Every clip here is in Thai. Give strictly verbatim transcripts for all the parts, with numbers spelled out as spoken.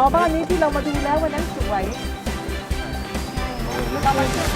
บ้านนี้ที่เรามาดูแล้ววันนั้นสวยเรามาเที่ยว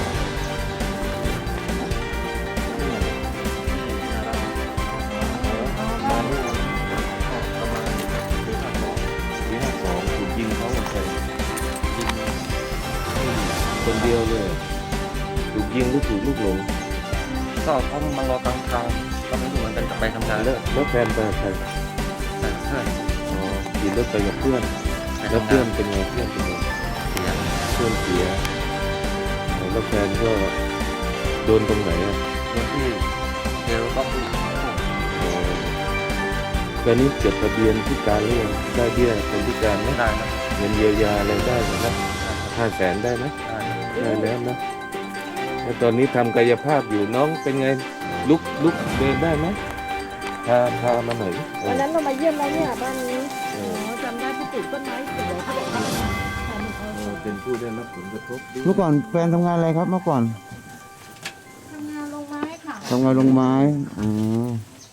คนเดียวเลยถูกยิงหรือถูกลูกหลงก็เขามารอกลางทางก็ไม่รู้เหมือนกันจะไปทำงานแล้วแล้วแฟนไปกับใครแต่เพื่อนอ๋อขี่รถไปกับเพื่อนแล้วเพื่อนเป็นไงเพื่อนเป็นไงเสียเพื่อนเสียแล้วแฟนก็โดนตรงไหนอ่ะโดนที่เทลก็คืออ๋อแฟนนี้จดทะเบียนพิการหรือยังได้เบี้ยคนพิการไหมได้นะเงินเยียวยาอะไรได้ไหมครับห้าแสนได้ไหมได้ได้แล้วนะแล้วตอนนี้ทำกายภาพอยู่น้องเป็นไงลุกลุกเดินได้ไหมพาพามาหน่อยดิเอวันอนั้นเรามาเยี่ยมแล้วเนี่ยบ้านนี้อ๋อจำได้ที่ปลูกต้นไม้สวยเขาบอกว่าเออเป็นผู้ได้รับผลกระทบด้วยเมื่อก่อนแฟนทำงานอะไรครับเมื่อก่อนทำงานลงไม้ค่ะทำงานลงไม้อ๋อ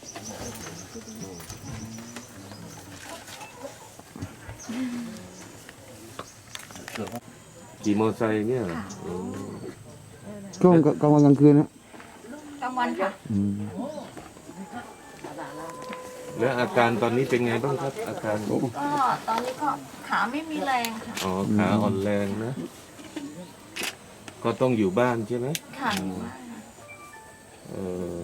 ขี่มอเตอร์ไซค์เนี่ยเหรออืมช่วงกลางวันกลางคืนนะกลางวันค่ะอืมแล้วอาการตอนนี้เป็นไงบ้างครับ อาการก็ตอนนี้ก็ขาไม่มีแรงค่ะอ๋อขาอ่อนแรงนะ ก็ต้องอยู่บ้านใช่ไหมค่ะเออ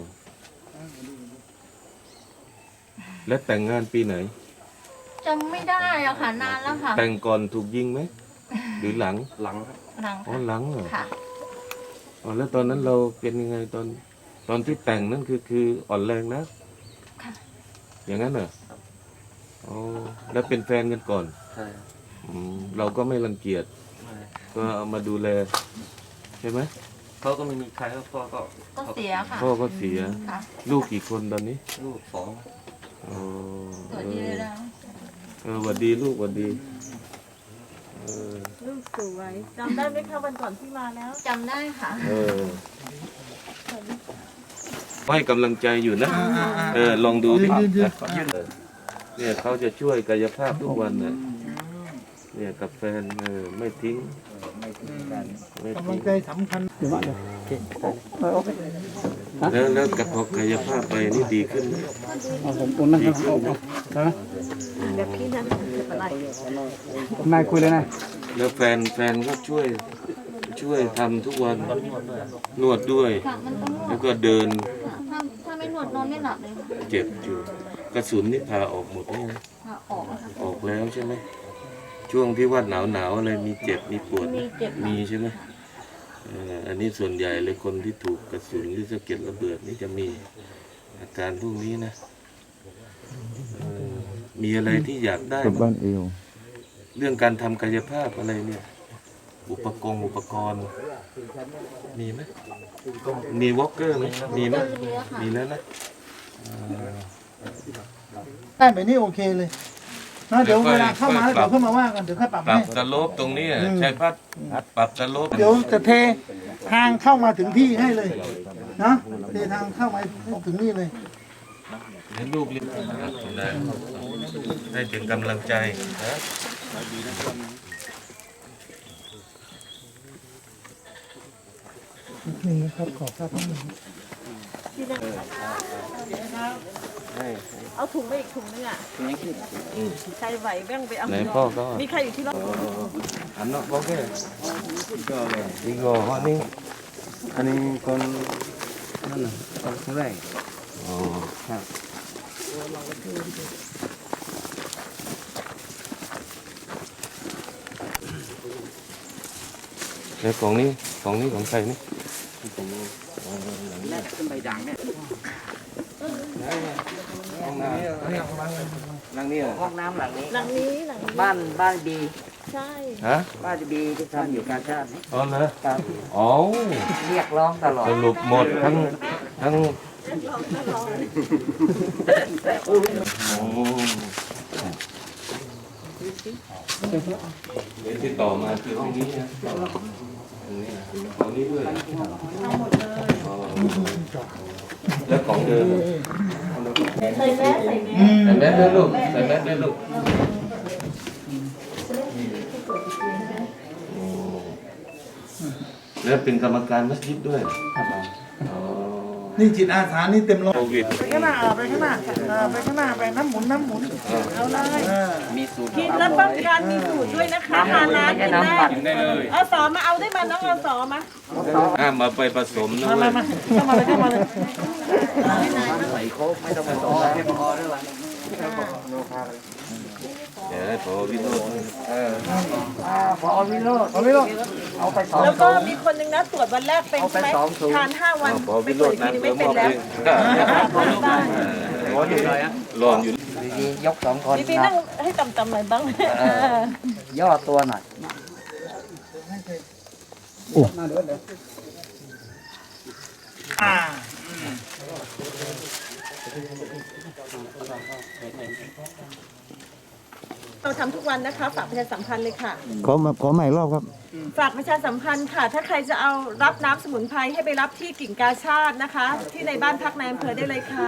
และแต่งงานปีไหนจำไม่ได้อะค่ะนานแล้วค่ะแต่งก่อนถูกยิงไหมหรือหลังหลังครับหลังอ๋อหลังเหรอค่ะอ๋อแล้วตอนนั้นเราเป็นยังไงตอน ตอนที่แต่งนั่นคือคืออ่อนแรงนะค่ะอย่างนั้นเหรออ๋อแล้วเป็นแฟนกันก่อนใช่ครับอืมเราก็ไม่รังเกียจไม่ก็เอามาดูแลใช่ไหมเขาก็ไม่มีใครแล้วพ่อก็ก็เสียค่ะพ่อก็เสียค่ะลูกกี่คนตอนนี้ลูกสองอ๋อสวยดีเลยนะเออหวัดดีลูกหวัดดีเออลูกสวยจำได้ไหมคะวันก่อนที่มาแล้วจำได้ค่ะเออให้กำลังใจอยู่นะ เออ ลองดูดิเนี่ยเขาจะช่วยกายภาพทุกวันนะเนี่ยกับแฟนเออไม่ทิ้งไม่กำลัทิ้งงใจสำคัญแล้วแล้วกับพอกายภาพไปนี่ดีขึ้นไหมผมอุ่นนะครับนะแบบพี่นั้นเป็นอะไรนายคุยเลยนะแล้วแฟนแฟนก็ช่วยช่วยทำทุกวันนวดด้วยค่ะมันต้องนวแล้ดวก็เดินถ้าถ้าไม่นวดนอนไม่หลับเลยค่ะเจ็บอยู่กระสุนนี่พาออกหมดเนี่ยค่ะออกนะคะออกแล้วใช่ไหมช่วงที่ว่าหนาวหนาวๆอะไรมีเจ็บมีปวดไหมีเจ็บมีใช่ไหมเอ่ออันนี้ส่วนใหญ่เลยคนที่ถูกกระสุนหรือสะเก็ดระเบิดนี่จะมีอาการพวกนี้นะเอ่อมีอะไรที่อยากได้กับบ้าบ้าง นเอวเรื่องการทำกายภาพอะไรเนี่ย อุปกรณ์อุปกรณ์ มีไหมมีวอล์กเกอร์ไหมมีไหมมีแล้วนะได้แบบนี้โอเคเลยนะเดี๋ยวเวลาเข้ามาแล้วเดี๋ยวเข้ามาว่ากันเดี๋ยวค่อยปรับปรัให้บสโลปตรงนี้อะใช้พัดปรับสโลปเดี๋ยวจะเททางเข้ามาถึงที่ให้เลยนะเททางเข้ามาถึงนี่เลยให้ลูกเรียนได้ให้ถึงกำลังใจนะนี่นะครับขอภาพนิดนึงเอาถุงไปอีกถุงนึงอ่ะใครไหวแบ่งไปเอาไหนพ่อก็มีใครอยู่ที่รถอันนั้นโอเคอีกโก้ฮอนี่อันนี้คนนั่นน่ะคนแรกอ๋อครับแล้วของนี้ของนี้ของใครนี่เป็นใบด่างเนี่ยนั่งนี่เหรอห้องน้ำหลังนี้หลังนี้หลังนี้บ้านบ้านบีใช่ฮะบ้านบีที่ทำอยู่การชาตินี่อ๋อเหรอครับอ๋อเรียกร้องตลอดสรุปหมดทั้งทั้งโอ้เดี๋ยวที่ต่อมาคือห้องนี้นะตรงนี้นะห้องนี้ด้วยเอาหมดเลยอ๋อแล้วของเดิมใส่แมสใส่แมสใส่แมสด้วยลูกใส่แมสด้วยลูกใส่แล้วเป็นกรรมการมัสยิดด้วยอ๋อนี่จิตอาสานี่เต็มร้อยโควิดไปข้างหน้าเออไปข้างหน้าเออไปข้างหน้าไปน้ำหมุนน้ำหมุนเอาเลยเออมีสูตรกินแล้วป้องกันมีสูตรด้วยนะคะทานน้ำกินได้เอาสอมาเอาได้มาน้องเอาสอมาห้ามมาไปผสมนะมาเว้มาย มาเข้ามาเลยเข้ามาเลยใส่โค้กไม่ต้องผสมแล้วให้พอด้วยวะเดี๋ยวให้พอวิโรจน์พอวิโรจน์พอวิโรจน์เอาไปสองแล้วก็มีคนหนึงนะตรวจวันแรกเป็นใช่ไหมทานห้าวันพอไปวิตโรรวจจน์ทีนั้นนึงเพื่ไม่อมเป็อน บแล้วเองร้อนอยู่ร้อนอยู่ดีๆยกสองคนพี่พี่นั่งให้ต่ำๆหน่อยบ้างย่อตัวหน่อยอ่าเราทำทุกวันนะคะฝากประชาสัมพันธ์เลยค่ะขอมาขอใหม่รอบครับฝากประชาสัมพันธ์ค่ะ ถ้าใครจะเอารับน้ำสมุนไพรให้ไปรับที่กิ่งกาชาตินะคะ ที่ในบ้านพักในอำเภอได้เลยค่ะ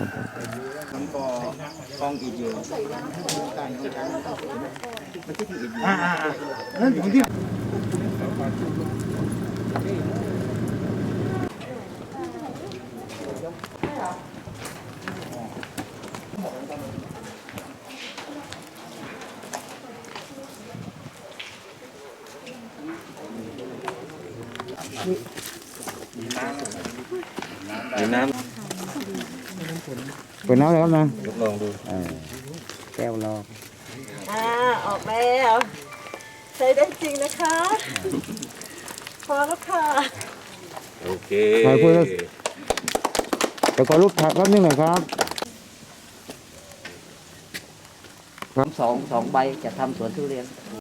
อ่าอ่าอ่านั่นอยู่ที่มีน้เปิดน้ำแล้วนะำลองดูแก้วรออ่าออกแล้วใช้ได้จริงนะคะ พอแล้วค่ะโอเคไปพูดแล้ว เดี๋ยวขอรูปถ่ายแป๊บนึงหน่อยครับสองสองใบจะทำสวนทุเรียน